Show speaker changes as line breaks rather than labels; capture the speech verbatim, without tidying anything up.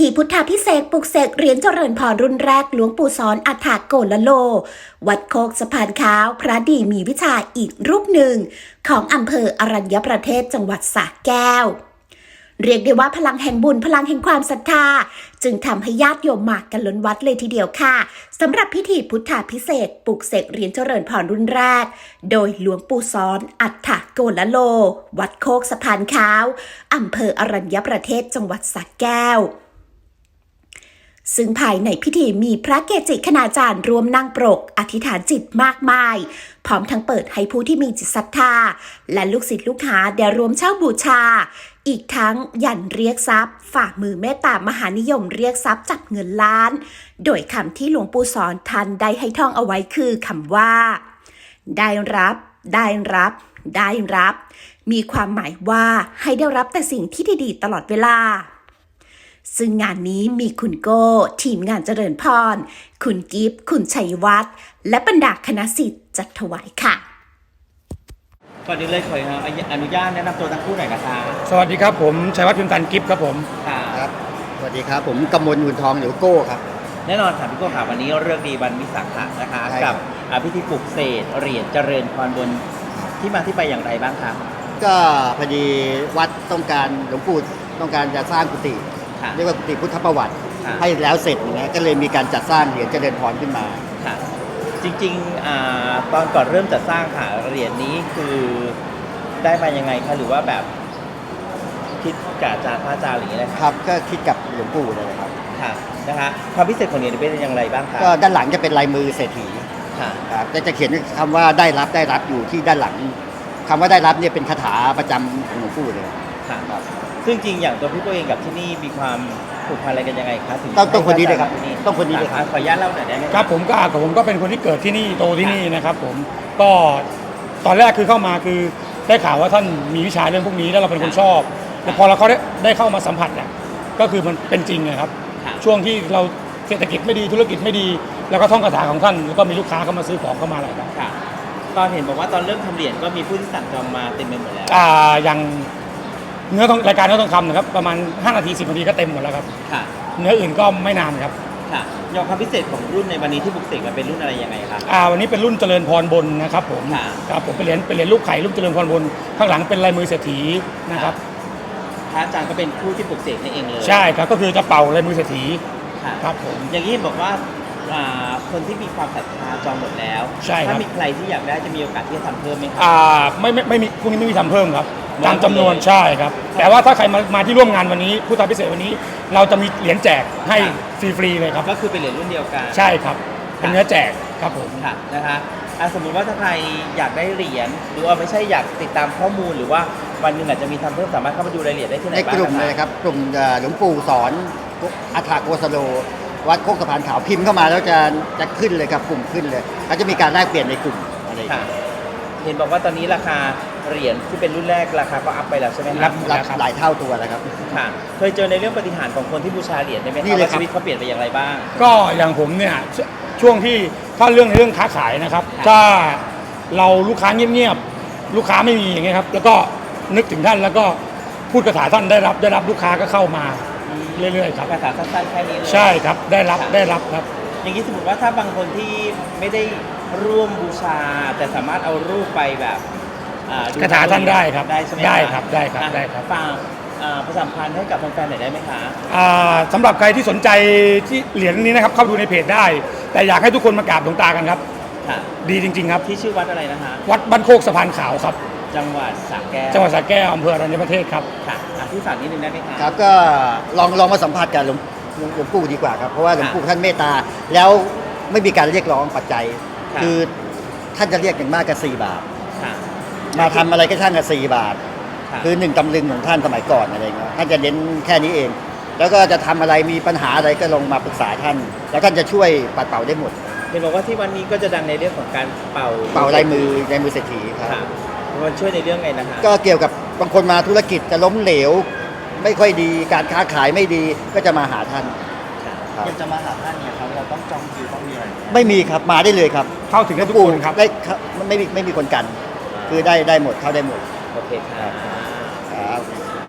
ธีพุทธาภิเษกปลุกเสกเหรียญเจริญพรรุ่นแรกหลวงปู่สอนอัฏฐโกลโลวัดโคกสะพานขาวพระดีมีวิชาอีกรูปหนึ่งของอำเภออรัญญประเทศจังหวัดสระแก้วเรียกได้ว่าพลังแห่งบุญพลังแห่งความศรัทธาจึงทำให้ญาติโยมมากันล้นวัดเลยทีเดียวค่ะสำหรับพิธีพุทธาภิเษกปลุกเสกเหรียญเจริญพรรุ่นแรกโดยหลวงปู่สอนอัฏฐโกลโลวัดโคกสะพานขาวอำเภออรัญญประเทศจังหวัดสระแก้วซึ่งภายในพิธีมีพระเกจิคณาจารย์ร่วมนั่งปรกอธิษฐานจิตมากมายพร้อมทั้งเปิดให้ผู้ที่มีจิตศรัทธาและลูกศิษย์ลูกหาได้ร่วมเช่าบูชาอีกทั้งยันเรียกทรัพย์ฝ่ามือเมตตามหานิยมเรียกทรัพย์จับเงินล้านโดยคำที่หลวงปู่สอนท่านได้ให้ท่องเอาไว้คือคำว่าได้รับได้รับได้รับมีความหมายว่าให้ได้รับแต่สิ่งที่ดีๆตลอดเวลาซึ่งงานนี้มีคุณโก้ทีมงานเจริญพรคุณกิฟต์คุณชัยวัฒน์และบรรดาคณะศิษย์จัดถวายค่ะ
ก่อนอื่นเลยขออนุญาตแนะนำตัวทั้งคู่หน่อยนะคะ
สวัสดีครับผมชัยวัฒน์พิมพ์ตันกิฟต์ครับผม
ครับสวัสดีครับผมกำมลหุ่นทองหรือโก้ครับ
แน่นอนค่ะพี่โก้ค่ะวันนี้เรื่องดีวันวิสาขะนะคะกับพิธีปลุกเสกเหรียญเจริญพรบนที่มาที่ไปอย่างไรบ้างครับ
ก็พอดีวัดต้องการหลวงปู่ต้องการจะสร้างกุฏิเรียกว่ากุฏิพุทธประวัติให้แล้วเสร็จอย่างเงี้ยก็เลยมีการจัดสร้างเหรียญเจริญพรขึ้นมา
ค่ะจริงๆตอนก่อนเริ่มจัดสร้างค่ะเหรียญนี้คือได้มายังไงคะหรือว่าแบบคิดกับอาจารย์พระอาจารย์หรืออะไร
ครับก็คิดกับหลวงปู่เลยครับ
ค่ะนะคะความพิเศษของเหรียญเป็นอย่างไรบ้างคะ
ก็ด้านหลังจะเป็นลายมือเศรษฐีค่ะครับจะเขียนคำว่าได้รับได้รับอยู่ที่ด้านหลังคำว่าได้รับเนี่ยเป็นคาถาประจำของหลวงปู่เลย
ค่ะซึ่งจริงอย่างตัวพี่โก้เองกับที่นี่มีความผูกพันอะไรกันยังไงครับถึง
ต้องต้องคนนี้เลยครับต้องคนนี้เลย
ขออนุญาตเล่าหน่อยได้ไหม
ครับผมก็กับผมก็เป็นคนที่เกิดที่นี่โตที่นี่นะครับผมก็ตอนแรกคือเข้ามาคือได้ข่าวว่าท่านมีวิชาเรื่องพวกนี้แล้วเราเป็นคนชอบแต่พอเราเขาได้ได้เข้ามาสัมผัสเนี่ยก็คือมันเป็นจริงนะครับช่วงที่เราเศรษฐกิจไม่ดีธุรกิจไม่ดีแล้วก็ท่องคาถาของท่านแล้วก็มีลูกค้าเข้ามาซื้อของเข้ามาอะไรครับ
ตอนเห็นบอกว่าตอนเริ่มทำเหรียญก็มีผู้ที่สั่งจองมาเต็มไปหมดแล้ว
อ่าอย่างเนื้อรายการเนื้อทองคำนะครับประมาณห้านาทีสิบนาทีก็เต็มหมดแล้วครับ
ค่ะ
เนื้ออื่นก็ไม่นานครับ
ค่ะยอมความพิเศษของรุ่นในวันนี้ที่ปลุกเสกมันเป็นรุ่นอะไรยังไงครับ
อ่าวันนี้เป็นรุ่นเจริญพรบนนะครับผมครับผมเป็นเหรียญเป็นเหรียญลูกไข่รูปเจริญพรบนข้างหลังเป็นลายมือเศรษฐีนะครับ
พระอาจารย์ก็เป็นผู้ที่ปลุกเสกนี่เองเลย
ใช่ครับก็คือจะเป่าลายมือเศรษฐีครับผม
อย่างนี้บอกว่าคนที่มีความศรัทธาจองหมดแล้วถ้ามีใครที่อยากได้จะมีโอกาสที่จะทำเพิ่มไหมครับ
อ่าไม่ไม่ไม่มีพวกนี้ไม่มีทำเพิ่มครับตามจำนวนใช่ครับแต่ว่าถ้าใครมามาที่ร่วมงานวันนี้พุทธาภิเษกวันนี้เราจะมีเหรียญแจกให้ฟรีๆเลยครับ
ก็คือเป็นเหรียญรุ่นเดียวกัน
ใช่ครับเป็นเนื้อแจกครับผม
ค่ะนะคะสมมุติว่าถ้าใครอยากได้เหรียญหรือว่าไม่ใช่อยากติดตามข้อมูลหรือว่าวันหนึ่งอาจจะมีทำเพิ่มสามารถเข้ามาดูรายละเอียดได้ที่ไหนบ้าง
ในกลุ่มเลยครับกลุ่มหลวงปู่สอนอัฏฐโกสโลวัดโคกสะพานขาวพิมพ์เข้ามาแล้วจะจะขึ้นเลยครับกลุ่มขึ้นเลยเขาจะมีการแลกเปลี่ยนในกลุ่มอะไร
เห็นบอกว่าตอนนี้ราคาเหรียญที่เป็นรุ่นแรกราคาก็อัพไปแล้วใช่ไหม
ครับรับหลายเท่าตัวแล้วครับ
ค่ะเคยเจอในเรื่องปฏิหารของคนที่บูชาเหรียญได้ไหมครับว่าชีวิตเขาเปลี่ยนไปอย่างไรบ้าง
ก็อย่างผมเนี่ยช่วงที่ถ้าเรื่องในเรื่องค้าขายนะครับถ้าเราลูกค้าเงียบๆลูกค้าไม่มีอย่างเงี้ยครับแล้วก็นึกถึงท่านแล้วก็พูดคาถาท่านได้รับได้รับลูกค้าก็เข้ามาเรื่อยๆครับ
คาถาสั้นๆแค่นี้เลย
ใช่ครับได้รับได้รับครับ
อย่างนี้สมมติว่าถ้าบางคนที่ไม่ได้ร่วมบูชาแต่สามารถเอารูปไปแบบ
คาถาท่านได้ครับ
ได้ใช่ไหม
ได้ครับได้ครับได้ครับ
ฝากประชาสัมพันธ์ให้กับแฟนๆหน่อยได้ไหมคะ
สำหรับใครที่สนใจที่เหรียญนี้นะครับเข้าดูในเพจได้แต่อยากให้ทุกคนมากราบหลวงตากันครับดีจริงๆครับ
ที่ชื่อวัดอะไรนะคะ
วัดบ้านโคกสะพานขาวครับ
จังหวัดสระแก้ว
จังหวัดสระแก้วอำเภออรัญญประเทศครับ
ค่ะที่ฝากนิดนึงได้ไหมคะ
ครับก็ลองลองมาสัมผัสกับหลวงหลวงปู่ดีกว่าครับเพราะว่าหลวงปู่ท่านเมตตาแล้วไม่มีการเรียกร้องปัจจัยคือท่านจะเรียกอย่างมากก็สี่บาทมาทำอะไรก็ช่างกับสี่บาทคือหนึ่งตำลึงของท่านสมัยก่อนอะไรเงี้ยท่านจะเน้นแค่นี้เองแล้วก็จะทำอะไรมีปัญหาอะไรก็ลงมาปรึกษาท่านแล้วท่านจะช่วยปัดเป่าได้หมด
เห็นบอกว่าที่วันนี้ก็จะดังในเรื่องของการเป่า
เป่าลายมือลายมือเศรษฐีครับ
มันช่วยในเรื่องไงนะคะ
ก็เกี่ยวกับบางคนมาธุรกิจจะล้มเหลวไม่ค่อยดีการค้าขายไม่ดีก็จะมาหาท่าน
อยากจะมาหาท่านเนี่ยครับเราต้องจองคิวต้องมีอะไร
ไม่มีครับมาได้เลยครับ
เข้าถึงได้ทุกคนครับ
ได้ไม่มีไม่มีคนกันคือได้ได้หมดเข้าได้หมด
โอเคครับ